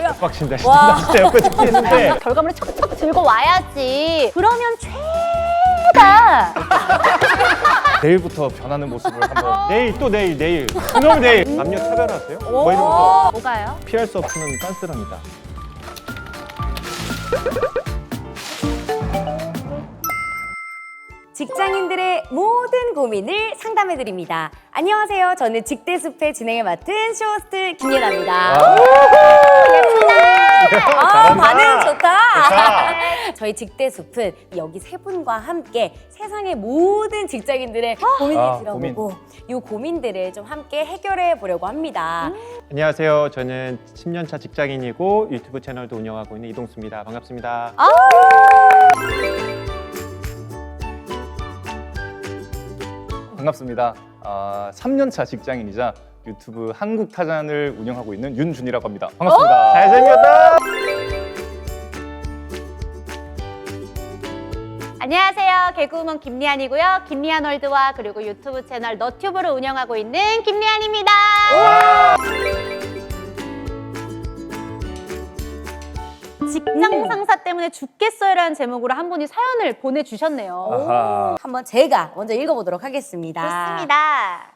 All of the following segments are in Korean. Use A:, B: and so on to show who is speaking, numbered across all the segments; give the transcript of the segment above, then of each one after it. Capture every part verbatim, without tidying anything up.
A: 있더라고요.
B: 빡친다.
A: 와.
B: 진짜 옆에 듣겠는데.
C: 결과물을 척척 들고 와야지. 그러면 최다.
B: 내일부터 변하는 모습을 한번. 내일 또 내일 내일. 그놈 내일. 남녀 차별하세요? 뭐 이런 거
C: 뭐가요?
B: 피할 수 없는 깐스랍니다.
A: 직장인들의 모든 고민을 상담해드립니다. 안녕하세요. 저는 직대숲의 진행을 맡은 쇼호스트 김예나입니다. 예쁘다. 아, 반응 좋다. 저희 직대숲은 여기 세 분과 함께 세상의 모든 직장인들의 고민을
B: 아,
A: 들어보고 이 고민들을 좀 함께 해결해 보려고 합니다.
B: 안녕하세요. 저는 십 년 차 직장인이고 유튜브 채널도 운영하고 있는 이동수입니다. 반갑습니다.
C: 아.
D: 반갑습니다. 아, 삼 년 차 직장인이자 유튜브 한국타잔을 운영하고 있는 윤준이라고 합니다. 반갑습니다.
B: 잘생겼다.
C: 안녕하세요. 개그우먼 김리안이고요. 김리안 월드와 그리고 유튜브 채널 너튜브를 운영하고 있는 김리안입니다. 직장 상사 때문에 죽겠어요라는 제목으로 한 분이 사연을 보내주셨네요.
D: 아하.
A: 한번 제가 먼저 읽어보도록 하겠습니다.
C: 좋습니다.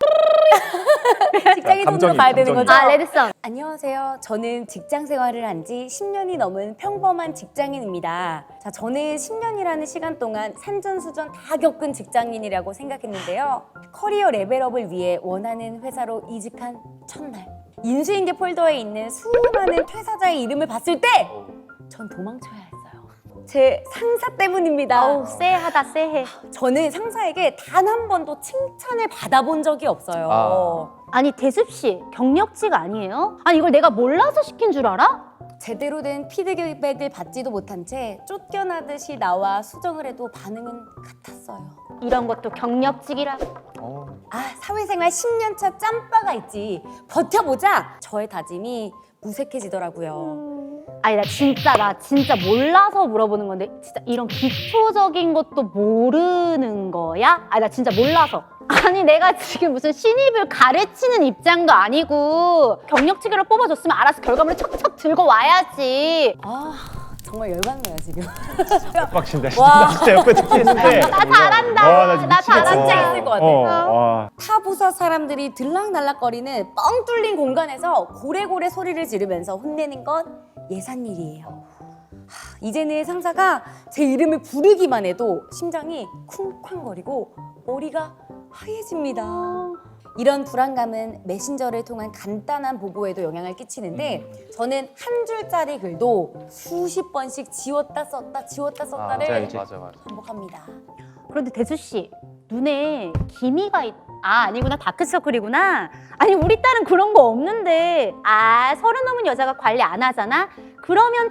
A: 직장인 손으로
D: 감정이,
A: 가야 되는
D: 감정이.
A: 거죠?
C: 아, 레드썬.
A: 안녕하세요. 저는 직장 생활을 한 지 십 년이 넘은 평범한 직장인입니다. 자, 저는 십 년이라는 시간 동안 산전수전 다 겪은 직장인이라고 생각했는데요. 커리어 레벨업을 위해 원하는 회사로 이직한 첫날, 인수인계 폴더에 있는 수많은 퇴사자의 이름을 봤을 때 전 도망쳐야 했어요. 제 상사 때문입니다.
C: 어우, 쎄하다, 쎄해.
A: 저는 상사에게 단 한 번도 칭찬을 받아본 적이 없어요.
D: 아.
C: 아니, 대습 씨, 경력직 아니에요? 아니, 이걸 내가 몰라서 시킨 줄 알아?
A: 제대로 된 피드백을 받지도 못한 채 쫓겨나듯이 나와 수정을 해도 반응은 같았어요.
C: 이런 것도 경력직이라.
D: 어.
A: 아, 사회생활 십 년 차 짬바가 있지. 버텨보자! 저의 다짐이 무색해지더라고요.
C: 아니, 나 진짜, 나 진짜 몰라서 물어보는 건데, 진짜 이런 기초적인 것도 모르는 거야? 아니, 나 진짜 몰라서. 아니, 내가 지금 무슨 신입을 가르치는 입장도 아니고, 경력직으로 뽑아줬으면 알아서 결과물을 척척 들고 와야지.
A: 아, 정말 열받네요, 지금.
B: 빡친다.
A: 와.
B: 진짜, 진짜 옆에 듣겠는데.
C: 나 잘한다.
B: 와, 나
C: 나
B: 미치겠다.
C: 잘한다.
A: 진짜 있을 것 같아.
B: 어, 와.
A: 타 부서 사람들이 들락날락거리는 뻥 뚫린 공간에서 고래고래 소리를 지르면서 혼내는 건 예산일이에요. 하, 이제는 상사가 제 이름을 부르기만 해도 심장이 쿵쾅거리고 머리가 하얘집니다. 이런 불안감은 메신저를 통한 간단한 보고에도 영향을 끼치는데 저는 한 줄짜리 글도 수십 번씩 지웠다 썼다 지웠다 썼다를
D: 맞아, 맞아, 맞아.
A: 반복합니다.
C: 그런데 대수 씨, 눈에 기미가 있... 아, 아니구나. 다크서클이구나. 아니, 우리 딸은 그런 거 없는데. 아, 서른 넘은 여자가 관리 안 하잖아? 그러면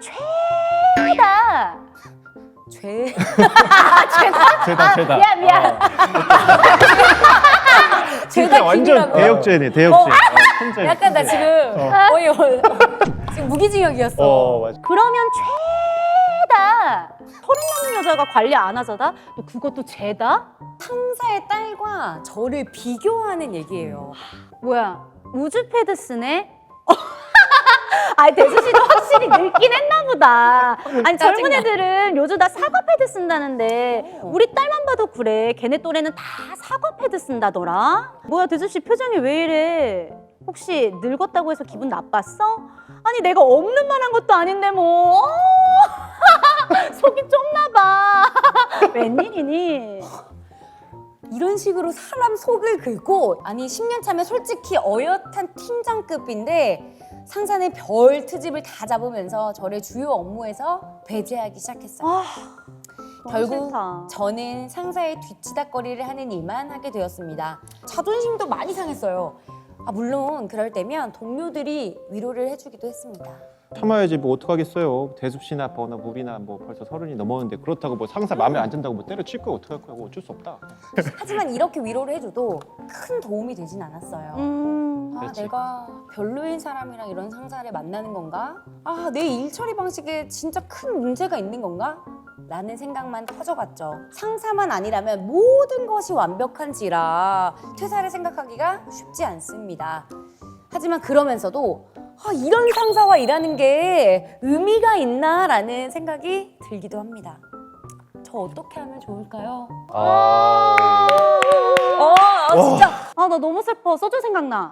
C: 죄다.
A: 죄...
B: 죄다, 죄다.
C: 아, 미안, 미안.
B: 진짜 완전
A: 김이라고요?
B: 대역죄네, 대역죄. 어, 혼자
A: 약간 나
B: 있는데.
A: 지금
B: 어.
A: 거의 어, 지금 무기징역이었어.
B: 어, 맞아.
C: 그러면 죄다. 서른 넘은 여자가 관리 안 하잖아? 또 그것도 죄다?
A: 상사의 딸과 저를 비교하는 얘기예요.
C: 뭐야, 우주패드 쓰네? 아니, 대수 씨도 확실히 늙긴 했나 보다. 아니, 젊은
A: 짜증나.
C: 애들은 요즘 다 사과 패드 쓴다는데
A: 어.
C: 우리 딸만 봐도 그래. 걔네 또래는 다 사과 패드 쓴다더라. 뭐야, 대수 씨 표정이 왜 이래? 혹시 늙었다고 해서 기분 나빴어? 아니, 내가 없는 말 한 것도 아닌데 뭐. 속이 좁나 봐. 웬일이니?
A: 이런 식으로 사람 속을 긁고 아니 십 년 차면 솔직히 어엿한 팀장급인데 상사는 별 트집을 다 잡으면서 저를 주요 업무에서 배제하기 시작했어요.
C: 아, 너무
A: 결국
C: 싫다.
A: 저는 상사의 뒤치다거리를 하는 일만 하게 되었습니다. 자존심도 많이 상했어요. 아, 물론 그럴 때면 동료들이 위로를 해주기도 했습니다.
B: 참아야지 뭐 어떡하겠어요. 대습 씨나 버나 무비나 뭐 벌써 서른이 넘었는데 그렇다고 뭐 상사 마음에 안 든다고 뭐 때려칠 거야 어떡할 거야. 어쩔 수 없다.
A: 하지만 이렇게 위로를 해줘도 큰 도움이 되진 않았어요.
C: 음,
A: 아,
B: 그렇지.
A: 내가 별로인 사람이랑 이런 상사를 만나는 건가? 아, 내 일 처리 방식에 진짜 큰 문제가 있는 건가? 라는 생각만 커져갔죠. 상사만 아니라면 모든 것이 완벽한지라 퇴사를 생각하기가 쉽지 않습니다. 하지만 그러면서도 아, 이런 상사와 일하는 게 의미가 있나라는 생각이 들기도 합니다. 저 어떻게 하면 좋을까요?
D: 아,
A: 어, 아, 진짜
C: 아, 나 너무 슬퍼. 소주 생각나.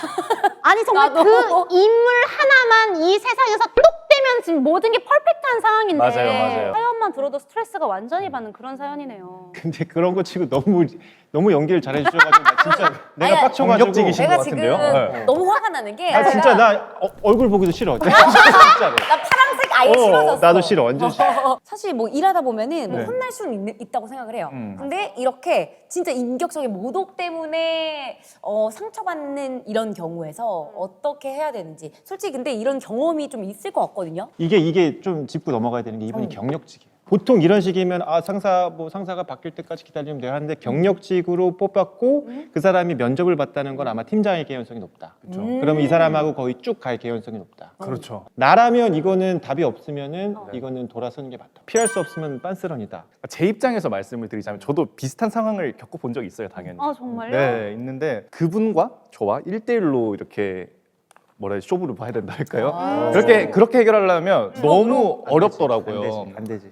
C: 아니, 정말
A: 나도.
C: 그 인물 하나만 이 세상에서 똑 되면 지금 모든 게 퍼펙트한 상황인데.
D: 맞아요, 맞아요.
C: 사연만 들어도 스트레스가 완전히 받는 그런 사연이네요.
B: 근데 그런 거 치고 너무 너무 연기를 잘해 주셔가지고 나 진짜 내가
A: 아니,
B: 빡쳐가지고
D: 공격적이신
A: 내가
D: 것
A: 지금
D: 같은데요? 네.
A: 너무 화가 나는 게
B: 아 진짜
A: 내가
B: 나 어, 얼굴 보기도 싫어. 진짜로.
A: 나 파란색 아예
B: 어,
A: 싫어졌어.
B: 나도 싫어, 완전 싫어.
A: 사실 뭐 일하다 보면은 뭐
D: 네.
A: 혼날 수는 있, 있다고 생각을 해요.
D: 음.
A: 근데 이렇게 진짜 인격적인 모독 때문에 어, 상처받는 이런 경우에서 어떻게 해야 되는지 솔직히 근데 이런 경험이 좀 있을 것 같거든요.
B: 이게 이게 좀 짚고 넘어가야 되는 게 이분이
A: 어.
B: 경력직이에요. 보통 이런 식이면 아 상사 뭐 상사가 바뀔 때까지 기다리면 돼요 하는데 경력직으로 뽑았고
A: 음.
B: 그 사람이 면접을 봤다는 건 아마 팀장의 개연성이 높다.
D: 그렇죠.
A: 음.
B: 그러면 이 사람하고 거의 쭉 갈 개연성이 높다.
D: 그렇죠.
B: 나라면 이거는 답이 없으면은
A: 어.
B: 이거는 돌아서는 게 맞다. 피할 수 없으면 빤스런이다.
D: 제 입장에서 말씀을 드리자면 저도 비슷한 상황을 겪어본 적이 있어요, 당연히.
C: 아, 정말요?
D: 네, 있는데 그분과 저와 일 대일로 이렇게 뭐라 해야 쇼부를 봐야 된다 할까요?
A: 아.
D: 그렇게 그렇게 해결하려면 너무
B: 안
D: 어렵더라고요.
B: 되지. 안 되지.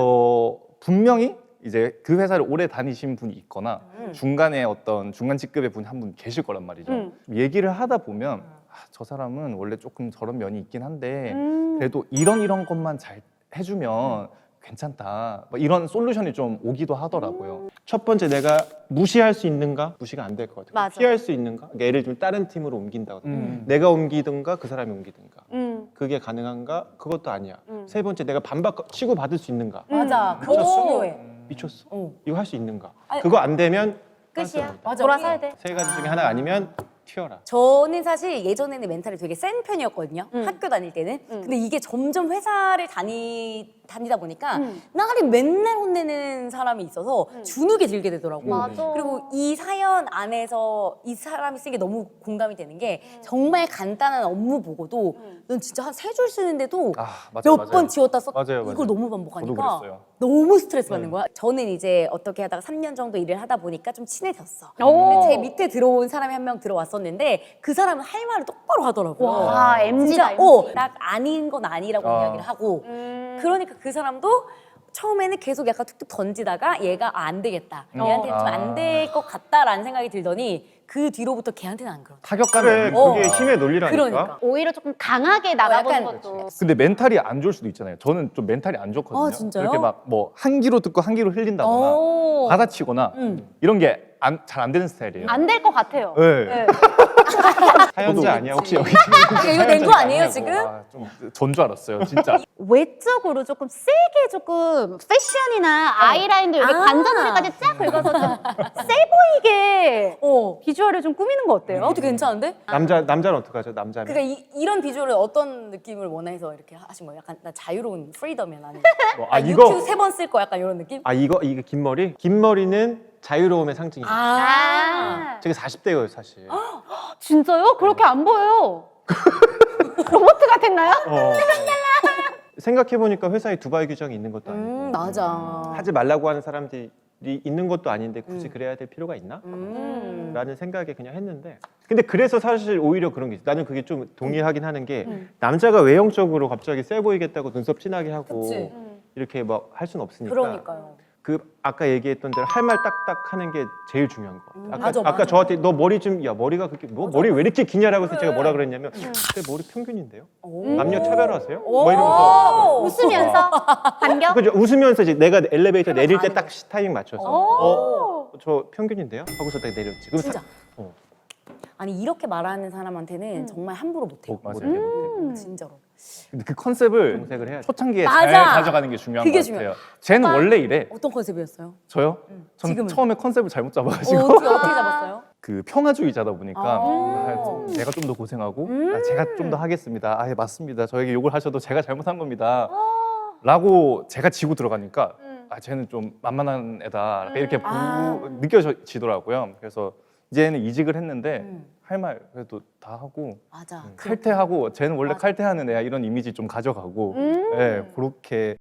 D: 그래서 분명히 이제 그 회사를 오래 다니신 분이 있거나
A: 음.
D: 중간에 어떤 중간 직급의 분이 한 분 계실 거란 말이죠.
C: 음.
D: 얘기를 하다 보면 아, 저 사람은 원래 조금 저런 면이 있긴 한데
C: 음.
D: 그래도 이런 이런 것만 잘 해주면 괜찮다. 뭐 이런 솔루션이 좀 오기도 하더라고요.
B: 첫 번째 내가 무시할 수 있는가? 무시가 안 될 것 같아요.
C: 맞아.
B: 피할 수 있는가? 그러니까 예를 들면 다른 팀으로 옮긴다거나
D: 음.
B: 내가 옮기든가 그 사람이 옮기든가
C: 음.
B: 그게 가능한가? 그것도 아니야.
C: 음.
B: 세 번째 내가 반박 치고 받을 수 있는가?
A: 맞아.
C: 음.
A: 그거
B: 미쳤어.
A: 중요해.
B: 미쳤어.
A: 어.
B: 이거 할 수 있는가?
A: 아니,
B: 그거 안 되면
C: 끝이야.
A: 맞아.
C: 돌아서야 돼.
B: 세 가지 중에 하나 아니면 튀어라.
A: 저는 사실 예전에는 멘탈이 되게 센 편이었거든요.
C: 음.
A: 학교 다닐 때는.
C: 음.
A: 근데 이게 점점 회사를 다니, 다니다 보니까
C: 음.
A: 나를 맨날 혼내는 사람이 있어서
C: 음.
A: 주눅이 들게 되더라고.
C: 맞아.
A: 그리고 이 사연 안에서 이 사람이 쓴 게 너무 공감이 되는 게
C: 음.
A: 정말 간단한 업무 보고도
C: 음.
A: 넌 진짜 한 세 줄 쓰는데도
D: 아, 맞아요,
A: 몇 번 지웠다 썼
D: 맞아요, 맞아요.
A: 이걸 너무
D: 저도
A: 반복하니까
D: 그랬어요.
A: 너무 스트레스 받는
D: 네.
A: 거야. 저는 이제 어떻게 하다가 삼 년 정도 일을 하다 보니까 좀 친해졌어.
C: 오.
A: 근데 제 밑에 들어온 사람이 한 명 들어왔었는데 그 사람은 할 말을 똑바로 하더라고.
C: 와, 엠지다,
A: 진짜 어,
C: 엠지.
A: 나 아닌 건 아니라고
D: 아.
A: 이야기를 하고
C: 음.
A: 그러니까 그 사람도 처음에는 계속 약간 툭툭 던지다가 얘가 아, 안 되겠다.
D: 음.
A: 얘한테 좀
D: 아.
A: 안 될 것 같다라는 생각이 들더니 그 뒤로부터 걔한테는 안 그러더라.
D: 타격감이
B: 그래,
D: 없는
B: 그게
A: 어.
B: 힘의 논리라니까.
A: 그러니까.
C: 오히려 조금 강하게 나가보는
A: 약간
C: 것도.
D: 근데 멘탈이 안 좋을 수도 있잖아요. 저는 좀 멘탈이 안 좋거든요.
A: 아, 진짜요?
D: 이렇게 막 뭐 한 귀로 듣고 한 귀로 흘린다거나
A: 어.
D: 받아치거나
A: 음.
D: 이런 게 잘 안 되는 스타일이에요.
C: 안 될 것 같아요.
D: 네.
C: 네.
B: 사연자
D: 저도-
B: 아니야 혹시 여기
A: 이거 이거 낸 거 아니에요
B: 아니냐고.
A: 지금?
D: 아, 좀 전 줄 알았어요, 진짜.
C: 외적으로 조금 세게 조금 패션이나 아이라인도 여기
A: 아.
C: 관자놀이까지 쫙 긁어서 좀 세 보이게
A: 어.
C: 비주얼을 좀 꾸미는 거 어때요?
A: 어떻게 괜찮은데?
B: 남자 남자는 어떡하죠? 남자는
A: 그러니까 이, 이런 비주얼을 어떤 느낌을 원해서 이렇게 하신 거예요? 약간 나 자유로운 프리덤이야 나는.
B: 뭐,
A: 아,
B: 아
A: 유튜브
B: 이거
A: 세 번 쓸 거 약간 이런 느낌?
B: 아 이거 이게 긴 머리? 긴 머리는 자유로움의 상징이에요.
C: 아,
B: 제가 사십 대예요 사실.
C: 진짜요? 그렇게 안 보여요. 로봇 같았나요?
B: 어. 생각해 보니까 회사에 두바이 규정이 있는 것도 아니고
A: 음 맞아.
B: 하지 말라고 하는 사람들이 있는 것도 아닌데 굳이
A: 음.
B: 그래야 될 필요가 있나?
A: 음.
B: 라는 생각에 그냥 했는데 근데 그래서 사실 오히려 그런 게 있어. 나는 그게 좀 동의하긴 하는 게
A: 음.
B: 남자가 외형적으로 갑자기 세 보이겠다고 눈썹 진하게 하고
A: 그치.
B: 이렇게 막 할 수는 없으니까
A: 그러니까요.
B: 그 아까 얘기했던 대로 할 말 딱딱 하는 게 제일 중요한 거 같아요.
A: 음,
B: 아까,
A: 맞아,
B: 아까
A: 맞아.
B: 저한테 너 머리 좀 야 머리가 그렇게 뭐
A: 맞아,
B: 머리 왜 이렇게 기냐라고 해서 제가
A: 그래.
B: 뭐라 그랬냐면 내 머리 평균인데요.
A: 오.
B: 남녀 차별하세요?
A: 오.
B: 뭐 이러면서
C: 웃으면서 반겨?
B: 그죠 웃으면서 이제 내가 엘리베이터
A: 그래,
B: 내릴 때
A: 아는
B: 딱
A: 거지.
B: 타이밍 맞춰서
C: 오.
B: 어, 저 평균인데요? 하고서 딱 내렸지. 그럼
A: 진짜.
B: 사- 어.
A: 아니 이렇게 말하는 사람한테는
C: 음.
A: 정말 함부로 못해요.
D: 어, 맞아요.
B: 못해, 못해.
C: 음.
A: 진짜로.
D: 근데 그 컨셉을
B: 정색을 해야지.
D: 초창기에
A: 맞아.
D: 잘 가져가는 게 중요한
A: 그게
D: 것 같아요. 쟤는
A: 오빠.
D: 원래 이래.
A: 어떤 컨셉이었어요?
D: 저요?
A: 음.
D: 전
A: 지금은?
D: 처음에 컨셉을 잘못
A: 어,
D: 잡아가지고
A: 어떻게, 어떻게 잡았어요?
D: 그 평화주의자다 보니까
A: 아.
D: 아, 제가 좀 더 고생하고
A: 음.
D: 아, 제가 좀 더 하겠습니다. 아, 예, 맞습니다. 저에게 욕을 하셔도 제가 잘못한 겁니다.
A: 아.
D: 라고 제가 지고 들어가니까
C: 음.
D: 아, 쟤는 좀 만만한 애다.
C: 음.
D: 이렇게 부-
A: 아.
D: 느껴지더라고요. 그래서 이제는 이직을 했는데
A: 음.
D: 할 말 그래도 다 하고
A: 맞아.
B: 음.
A: 그-
D: 칼퇴하고 쟤는 원래
A: 맞아.
D: 칼퇴하는 애야 이런 이미지 좀 가져가고
C: 음.
D: 예, 그렇게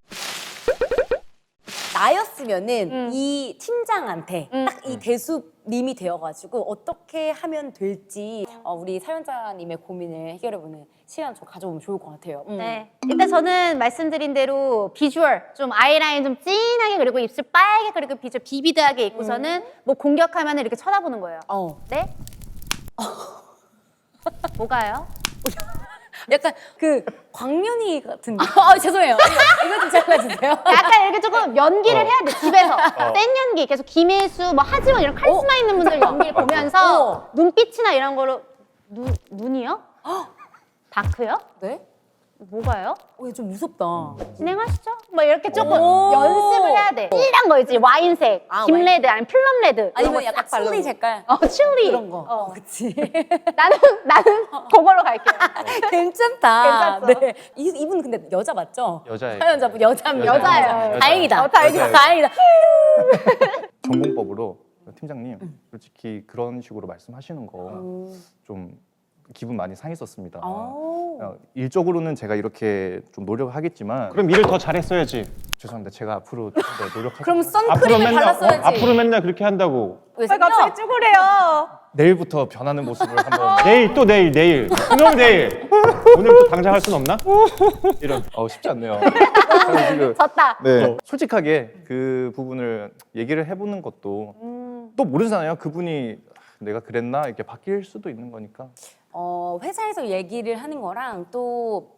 A: 나였으면은
C: 음.
A: 이 팀장한테
C: 음.
A: 딱 이 대수님이 되어가지고 어떻게 하면 될지 어, 우리 사연자님의 고민을 해결해보는 시간 좀 가져보면 좋을 것 같아요. 음.
C: 네. 일단 저는 말씀드린 대로 비주얼 좀 아이라인 좀 진하게 그리고 입술 빨개 그리고 비주얼 비비드하게 입고서는 뭐 공격하면 이렇게 쳐다보는 거예요.
A: 어.
C: 네? 뭐가요?
A: 약간 그 광년이 같은데. 아, 죄송해요. 이거, 이거 좀 잘라주세요.
C: 약간 이렇게 조금 연기를
D: 어.
C: 해야 돼 집에서 센 연기 계속 김혜수 뭐 하지원 이런 카리스마 있는 분들 연기를 보면서
A: 어.
C: 눈빛이나 이런 거로 눈 눈이요? 다크요?
A: 네?
C: 뭐가요?
A: 어, 이거 좀 무섭다.
C: 진행하시죠. 뭐 이렇게 조금
A: 오.
C: 연습을 해야 돼. cil한 거 있지 와인색,
A: 아,
C: 김레드 아니면 플럼 레드.
A: 아니면
C: 이런
A: 약간
C: 거싹 바르고.
A: 칠리 색깔.
C: 어 칠리
A: 그런 거.
C: 어.
A: 그치.
C: 나는 나는 그걸로 갈게요.
A: 괜찮다.
C: 괜찮죠?
A: 네. 이, 이분 근데 여자 맞죠?
B: 여자예요.
A: 사연자분 여자입니다.
C: 여자예요.
B: 여자.
A: 다행이다.
C: 어, 다행이다.
A: 다행이다.
D: 전공법으로 팀장님 솔직히 그런 식으로 말씀하시는 거 좀 기분 많이 상했었습니다.
A: 아우.
D: 어, 일적으로는 제가 이렇게 좀 노력하겠지만
B: 그럼 일을 더 잘했어야지.
D: 죄송합니다. 제가 앞으로 좀 더 노력하겠습니다.
A: 그럼
B: 앞으로
A: 선크림을
B: 맨날
A: 발랐어야지.
B: 어, 앞으로 맨날 그렇게 한다고.
A: 왜
C: 왜 갑자기 쭈그래요?
D: 내일부터 변하는 모습을 한번
B: 내일 또 내일 내일 그놈 내일 오늘부터 당장 할 순 없나? 이런.
D: 어, 쉽지 않네요. 저는 지금
C: 졌다.
D: 네. 솔직하게 그 부분을 얘기를 해보는 것도
C: 음.
D: 또 모르잖아요. 그분이 내가 그랬나 이렇게 바뀔 수도 있는 거니까.
A: 어, 회사에서 얘기를 하는 거랑 또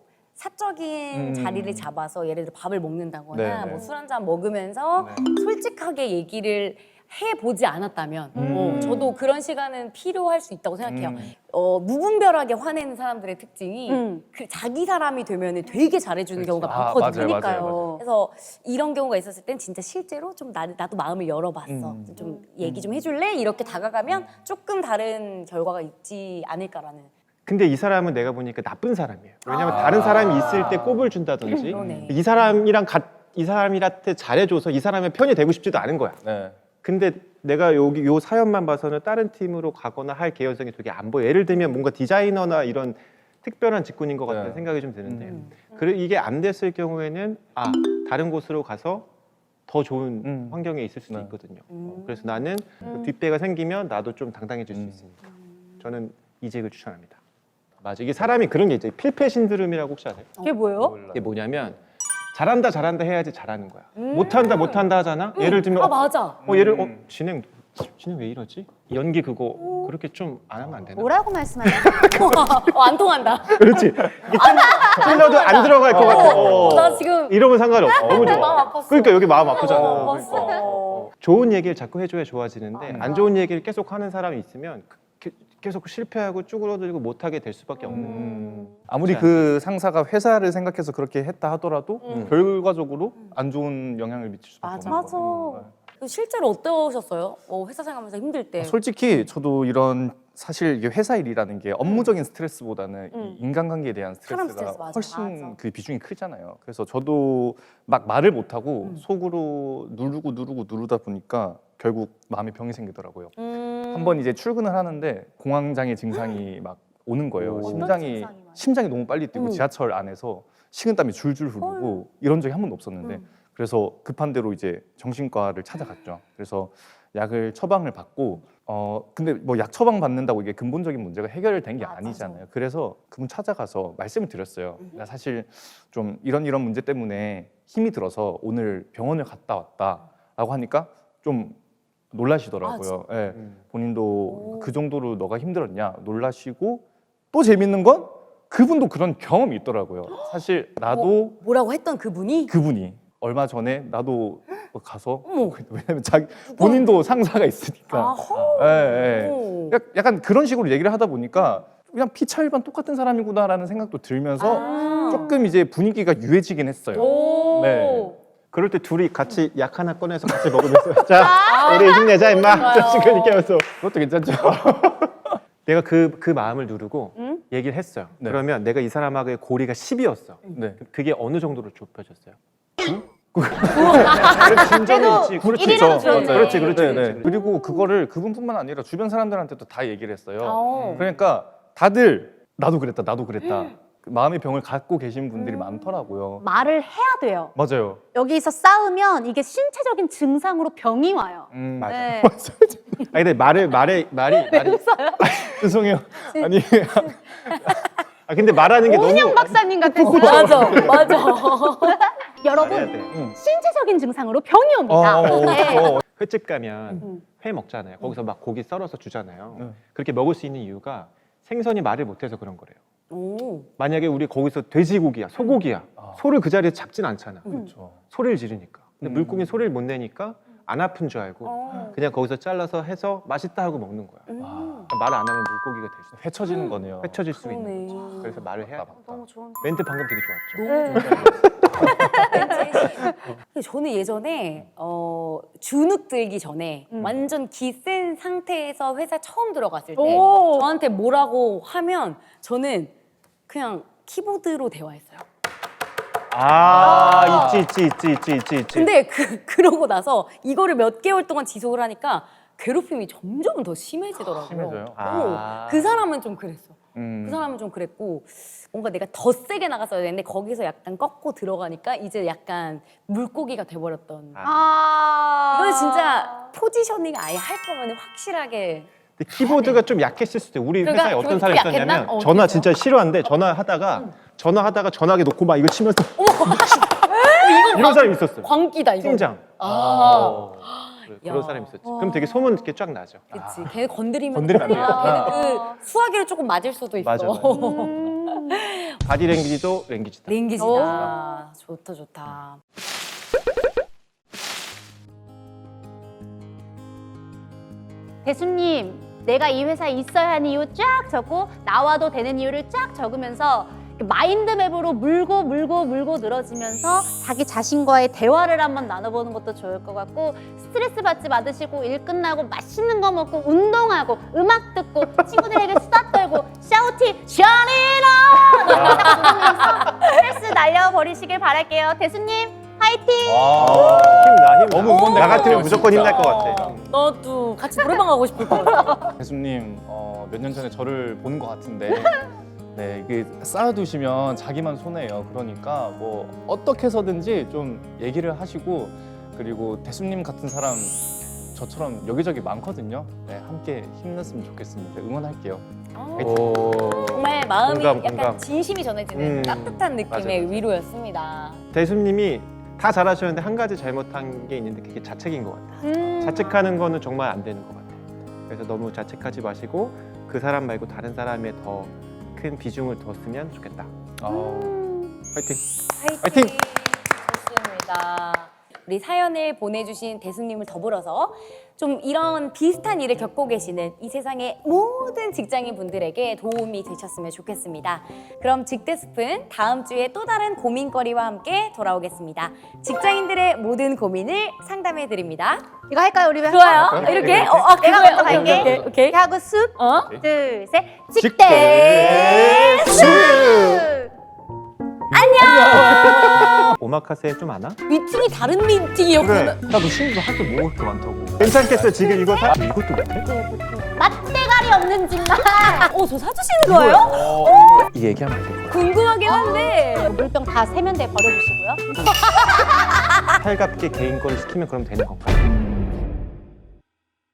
A: 사적인
D: 음.
A: 자리를 잡아서 예를 들어 밥을 먹는다거나
D: 네, 네.
A: 뭐 술 한잔 먹으면서
D: 네.
A: 솔직하게 얘기를 해보지 않았다면
D: 음.
A: 어, 저도 그런 시간은 필요할 수 있다고 생각해요.
D: 음.
A: 어, 무분별하게 화내는 사람들의 특징이
C: 음.
A: 그 자기 사람이 되면 되게 잘해주는
D: 그렇죠.
A: 경우가
D: 아,
A: 많거든요.
D: 맞아요,
A: 그러니까요.
D: 맞아요, 맞아요.
A: 그래서 이런 경우가 있었을 땐 진짜 실제로 좀 나, 나도 마음을 열어봤어.
D: 음.
A: 좀 얘기 좀 해줄래? 이렇게 다가가면 조금 다른 결과가 있지 않을까라는.
B: 근데 이 사람은 내가 보니까 나쁜 사람이에요. 왜냐면 다른 사람이 있을 때 꼽을 준다든지
A: 그러네.
B: 이 사람이랑 가, 이 사람한테 잘해줘서 이 사람의 편이 되고 싶지도 않은 거야.
D: 네.
B: 근데 내가 여기 요 사연만 봐서는 다른 팀으로 가거나 할 개연성이 되게 안 보여. 예를 들면 뭔가 디자이너나 이런 특별한 직군인 것 같다는
D: 네.
B: 생각이 좀 드는데
A: 음.
B: 그래 이게 안 됐을 경우에는 아 다른 곳으로 가서 더 좋은
D: 음.
B: 환경에 있을 수도
D: 네.
B: 있거든요.
A: 음.
B: 어, 그래서 나는
A: 음.
B: 뒷배가 생기면 나도 좀 당당해질 수
D: 음.
B: 있으니까 저는 이직을 추천합니다. 맞아. 이게 사람이 그런 게 있죠. 필패 신드롬이라고 혹시 아세요?
C: 그게 뭐예요?
D: 몰라요.
B: 이게 뭐냐면 잘한다 잘한다 해야지 잘하는 거야.
A: 음.
B: 못한다 못한다 하잖아. 예를 들면
A: 아
B: 어,
A: 맞아.
B: 어 얘를 어
D: 음.
B: 진행 진행 왜 이러지? 연기 그거 그렇게 좀 안 하면 안 되나?
C: 뭐라고 말씀하세요?
A: 어, 안 통한다.
B: 그렇지. 이게 찔- 찔러도 안 들어갈 것 같아. 어.
A: 나 지금
B: 이러면 상관이 없어. 너무
A: 마음
B: 좋아.
A: 아팠어.
B: 그러니까 여기 마음 아프잖아.
A: 어,
B: 그러니까.
A: 봤어.
B: 좋은 얘기를 자꾸 해줘야 좋아지는데
A: 아.
B: 안 좋은 얘기를 계속 하는 사람이 있으면 그- 계속 실패하고 쭈그러들고 못하게 될 수밖에 없는.
D: 음. 아무리 그 상사가 회사를 생각해서 그렇게 했다 하더라도
A: 음.
D: 결과적으로 안 좋은 영향을 미칠 수밖에
A: 맞아.
D: 없는
A: 맞아.
D: 거거든요.
A: 실제로 어떠셨어요? 어, 회사 생활하면서 힘들 때.
D: 네. 솔직히 저도 이런 사실 이게 회사 일이라는 게 업무적인 스트레스보다는
A: 음.
D: 이 인간관계에 대한
A: 사람
D: 스트레스가
A: 스트레스, 맞아.
D: 훨씬
A: 맞아.
D: 그 비중이 크잖아요. 그래서 저도 막 말을 못 하고
A: 음.
D: 속으로 누르고 누르고 누르다 보니까 결국 마음에 병이 생기더라고요.
A: 음.
D: 한 번 이제 출근을 하는데 공황장애 증상이 막 오는 거예요.
B: 오.
D: 심장이
C: 증상이 많아요?
D: 심장이 너무 빨리 뛰고
A: 음.
D: 지하철 안에서 식은땀이 줄줄 흐르고 이런 적이 한 번도 없었는데
A: 음.
D: 그래서 급한 대로 이제 정신과를 찾아갔죠. 그래서 약을 처방을 받고 어 근데 뭐 약 처방 받는다고 이게 근본적인 문제가 해결된 게
A: 맞아.
D: 아니잖아요. 그래서 그분 찾아가서 말씀을 드렸어요.
A: 음.
D: 나 사실 좀 이런 이런 문제 때문에 힘이 들어서 오늘 병원을 갔다 왔다라고 하니까 좀 놀라시더라고요. 예.
B: 음.
D: 본인도
A: 오.
D: 그 정도로 너가 힘들었냐 놀라시고 또 재밌는 건 그분도 그런 경험이 있더라고요. 사실 나도
A: 뭐라고 했던 그분이?
D: 그분이 얼마 전에 나도 가서
A: 어머.
D: 왜냐면 자기 본인도 상사가 있으니까
A: 아허.
D: 예, 예.
A: 오.
D: 약- 약간 그런 식으로 얘기를 하다 보니까 그냥 피차일반 똑같은 사람이구나라는 생각도 들면서
A: 아.
D: 조금 이제 분위기가 유해지긴 했어요.
A: 오.
D: 네.
B: 그럴 때 둘이 같이 약 하나 꺼내서 같이 먹으면서 자 우리 힘내자 임마.
A: 좋아요.
B: 자식 이렇게 하면서
D: 그것도 괜찮죠.
B: 내가 그 그 마음을 누르고
A: 응?
B: 얘기를 했어요.
D: 네.
B: 그러면 내가 이 사람하고의 고리가 십이었어.
D: 네.
B: 그게 어느 정도로 좁혀졌어요? 그래도 진전이 있지.
C: 그래도
B: 그렇지.
C: 일이라도 줄었네.
B: 그렇지, 그렇지,
D: 네,
B: 그렇지.
D: 네. 그리고 그거를 그분뿐만 아니라 주변 사람들한테도 다 얘기를 했어요.
A: 어.
D: 그러니까 다들 나도 그랬다, 나도 그랬다. 그 마음의 병을 갖고 계신 분들이 많더라고요.
C: 말을 해야 돼요.
D: 맞아요.
C: 여기서 싸우면 이게 신체적인 증상으로 병이 와요.
D: 음,
B: 맞아.
C: 네.
B: 아니 근데 말을 말에 말이 말이
D: 죄송해요. 아니
B: 아 근데 말하는 게 너무
C: 오은영 박사님 같았어요.
A: 맞아, 맞아.
C: 여러분
B: 말해야 돼.
D: 응.
C: 신체적인 증상으로 병이 옵니다.
D: 어, 어,
C: 네.
D: 어.
B: 횟집 가면
A: 음.
B: 회 먹잖아요. 거기서 막 고기 썰어서 주잖아요.
D: 응.
B: 그렇게 먹을 수 있는 이유가 생선이 말을 못해서 그런 거래요.
A: 오.
B: 만약에 우리 거기서 돼지고기야, 소고기야,
D: 아.
B: 소를 그 자리에 잡진 않잖아.
D: 그렇죠.
B: 소리를 지르니까. 근데
D: 음.
B: 물고기는 소리를 못 내니까 안 아픈 줄 알고
A: 어.
B: 그냥 거기서 잘라서 해서 맛있다 하고 먹는 거야.
A: 음.
B: 그러니까 말을 안 하면 물고기가 될 수 있어.
D: 헤쳐지는 거네요.
B: 헤쳐질 수
A: 그러네.
B: 있는 거지. 그래서 말을 해야 돼.
A: 너무 좋은.
B: 멘트 방금 되게 좋았죠.
A: 너무 좋다. 근데 저는 예전에 어, 주눅 들기 전에
C: 음.
A: 완전 기센 상태에서 회사 처음 들어갔을 때
C: 오.
A: 저한테 뭐라고 하면 저는 그냥 키보드로 대화했어요.
B: 아, 있지, 있지, 있지, 있지, 있지, 있지.
A: 근데 그, 그러고 나서 이거를 몇 개월 동안 지속을 하니까 괴롭힘이 점점 더 심해지더라고요.
D: 심해져요?
B: 아.
A: 오, 그 사람은 좀 그랬어.
D: 음.
A: 그 사람은 좀 그랬고 뭔가 내가 더 세게 나갔어야 되는데 거기서 약간 꺾고 들어가니까 이제 약간 물고기가 돼버렸던.
B: 아.
C: 아.
A: 이거는 진짜 포지셔닝 아예 할 거면 확실하게.
B: 근데 키보드가 좀 약했을 수도 있어요. 우리
A: 그러니까
B: 회사에 어떤
A: 키보드
B: 사람이
A: 약했나?
B: 있었냐면
A: 어,
B: 전화
A: 어땠어요?
B: 진짜 싫어하는데 전화하다가 전화하다가 전화기 놓고 막 이거 치면서 이런 사람이 있었어요.
A: 광기다 이거.
B: 팀장.
A: 아,
B: 그래,
A: 야.
B: 그런 사람이 있었지. 그럼 되게 소문 이렇게 쫙 나죠.
A: 그치. 걔 건드리면
B: 건드리면 안
A: 큰일 나.
C: 돼요.
A: 걔는 그 수화기를 조금 맞을 수도 있어.
B: 맞아, 맞아.
C: 음.
B: 바디랭귀지도 랭귀지다.
A: 랭귀지다. 좋다 좋다.
C: 대수님, 내가 이 회사에 있어야 하는 이유 쫙 적고 나와도 되는 이유를 쫙 적으면서 마인드맵으로 물고 물고 물고 늘어지면서 자기 자신과의 대화를 한번 나눠보는 것도 좋을 것 같고 스트레스 받지 않으시고 일 끝나고 맛있는 거 먹고 운동하고 음악 듣고 친구들에게 수다 떨고 샤우팅 샤니라 스트레스 날려버리시길 바랄게요. 대수님 화이팅!
D: 와.
B: 힘나, 힘나.
D: 너무 응원될
B: 나
D: 것
B: 같으면
D: 같아요,
B: 무조건
D: 진짜.
B: 힘날 것 같아.
A: 너도 같이 노래방 가고 싶을 것 같아.
D: 대수님 어, 몇 년 전에 저를 본 것 같은데 네 이게 쌓아두시면 자기만 손해예요. 그러니까 뭐 어떻게 해서든지 좀 얘기를 하시고 그리고 대수님 같은 사람 저처럼 여기저기 많거든요. 네 함께 힘냈으면 좋겠습니다. 응원할게요.
B: 오.
A: 정말 마음이
B: 공감,
A: 약간
B: 공감.
A: 진심이 전해지는
B: 음,
A: 따뜻한 느낌의
B: 맞아, 맞아.
A: 위로였습니다.
B: 대수님이 다 잘하셨는데 한 가지 잘못한 게 있는데 그게 자책인 것 같아.
C: 음.
B: 자책하는 거는 정말 안 되는 것 같아. 그래서 너무 자책하지 마시고 그 사람 말고 다른 사람에 더 큰 비중을 뒀으면 좋겠다.
D: 아우.
B: 화이팅!
A: 화이팅! 좋습니다. 우리 사연을 보내주신 대수님을 더불어서 좀 이런 비슷한 일을 겪고 계시는 이 세상의 모든 직장인 분들에게 도움이 되셨으면 좋겠습니다. 그럼 직대숲은 다음 주에 또 다른 고민거리와 함께 돌아오겠습니다. 직장인들의 모든 고민을 상담해 드립니다.
C: 이거 할까요 우리?
A: 좋아요. 이렇게? 어, 아,
C: 내가
A: 그거요.
C: 먼저
A: 오케이,
C: 갈게.
A: 오케이, 오케이.
C: 이렇게 하고 숲,
A: 어?
C: 둘, 셋,
B: 직대
C: 직대숲.
B: 오마카세 좀 아나?
A: 미팅이 다른 미팅이었구나.
B: 나도 친구도 할 게 뭐 그렇게 많다고. 괜찮겠어 지금 이거 다? 이것도 못해?
C: 맛대가리 없는 집만.
A: 어, 저 사주시는 거예요?
B: 이 얘기하면 안 돼.
A: 궁금하긴 한데.
C: 물병 다 세면대에 버려주시고요.
B: 살갑게 개인 거를 시키면 그럼 되는 건가?